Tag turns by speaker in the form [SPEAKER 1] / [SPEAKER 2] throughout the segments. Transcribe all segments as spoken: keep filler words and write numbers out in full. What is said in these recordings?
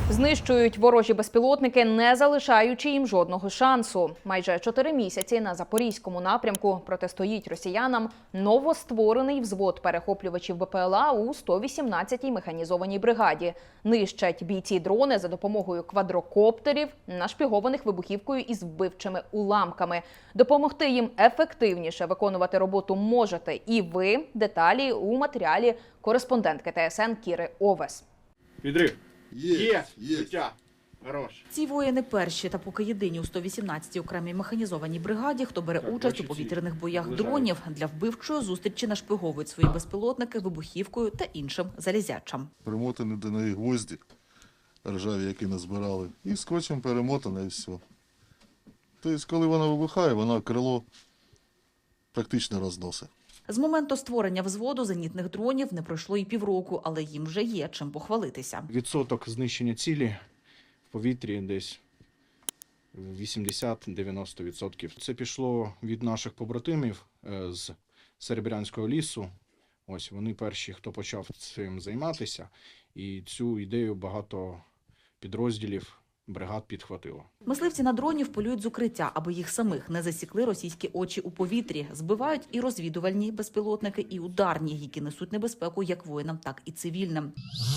[SPEAKER 1] Знищують ворожі безпілотники, не залишаючи їм жодного шансу. Майже чотири місяці на Запорізькому напрямку протистоїть росіянам новостворений взвод перехоплювачів БПЛА у сто вісімнадцятій механізованій бригаді. Нищать бійці дрони за допомогою квадрокоптерів, нашпігованих вибухівкою із вбивчими уламками. Допомогти їм ефективніше виконувати роботу можете і ви. Деталі у матеріалі кореспондентки ТСН Кіри Овес.
[SPEAKER 2] Відрив.
[SPEAKER 3] Є,
[SPEAKER 2] Є,
[SPEAKER 3] є.
[SPEAKER 2] життя. Хорош.
[SPEAKER 4] Ці воїни перші та поки єдині у сто вісімнадцятій окремій механізованій бригаді, хто бере
[SPEAKER 2] Так,
[SPEAKER 4] участь у
[SPEAKER 2] бачите,
[SPEAKER 4] повітряних боях
[SPEAKER 2] лежать.
[SPEAKER 4] дронів. Для вбивчої зустрічі нашпиговують свої безпілотники вибухівкою та іншим залізячам.
[SPEAKER 3] Примотані до неї гвозді ржаві, які назбирали, і скотчем перемотане і все. Тобто, коли вона вибухає, вона крило практично розносить.
[SPEAKER 4] З моменту створення взводу зенітних дронів не пройшло і півроку, але їм вже є чим похвалитися.
[SPEAKER 2] Відсоток знищення цілі в повітрі десь вісімдесят-дев'яносто відсотків. Це пішло від наших побратимів е, з Серебрянського лісу. Ось вони перші, хто почав цим займатися, і цю ідею багато підрозділів бригад підхватило.
[SPEAKER 4] Мисливці на дронів полюють з укриття, аби їх самих не засікли російські очі у повітрі. Збивають і розвідувальні безпілотники, і ударні, які несуть небезпеку як воїнам, так і цивільним.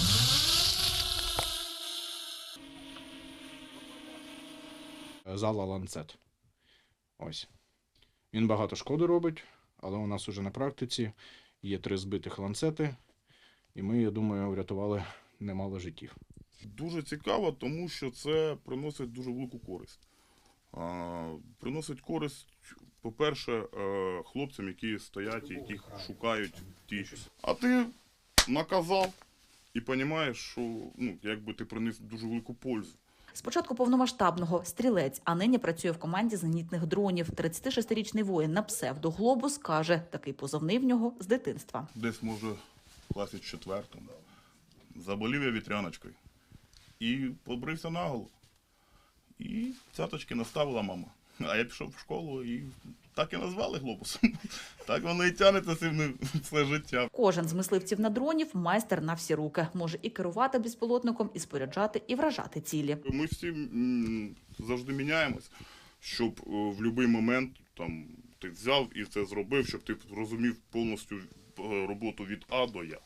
[SPEAKER 2] Зала «Ланцет». Ось. Він багато шкоди робить, але у нас уже на практиці є три збитих ланцети, і ми, я думаю, врятували немало життів.
[SPEAKER 5] Дуже цікаво, тому що це приносить дуже велику користь. А, приносить користь, по-перше, е, хлопцям, які стоять, яких шукають ті. А ти наказав і розумієш, що ну, якби ти приніс дуже велику пользу.
[SPEAKER 4] Спочатку повномасштабного стрілець, а нині працює в команді зенітних дронів. тридцятишестирічний воїн на псевдо «Глобус» каже, такий позивний в нього з дитинства.
[SPEAKER 5] Десь, може, в класі четвертому. Заболів я вітряночкою. І побрився наголо. І цяточки наставила мама. А я пішов в школу і так і назвали «Глобусом». Так воно і тягнеться цим все життя.
[SPEAKER 4] Кожен з мисливців на дронів – майстер на всі руки. Може і керувати безпілотником, і споряджати, і вражати цілі.
[SPEAKER 5] Ми всі м, завжди міняємось, щоб е, в будь-який момент там, ти взяв і це зробив, щоб ти розумів повністю е, роботу від А до Я.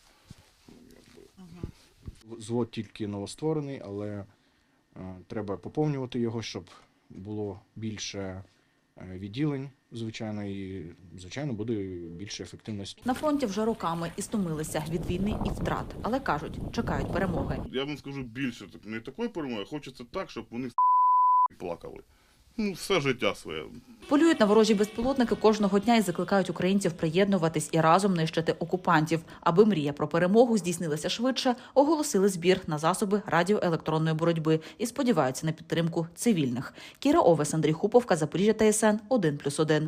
[SPEAKER 2] Звод тільки новостворений, але е, треба поповнювати його, щоб було більше е, відділень, звичайно, і, звичайно, буде більше ефективності.
[SPEAKER 4] На фронті вже роками і стомилися від війни і втрат. Але кажуть, чекають перемоги.
[SPEAKER 5] Я вам скажу більше, так, не такої перемоги, хочеться так, щоб вони плакали. Ну, все життя своє.
[SPEAKER 4] Полюють на ворожі безпілотники кожного дня і закликають українців приєднуватись і разом нищити окупантів. Аби мрія про перемогу здійснилася швидше, оголосили збір на засоби радіоелектронної боротьби і сподіваються на підтримку цивільних. Кіра Овес, Андрій Хуповка, Запоріжжя, ТСН один плюс один.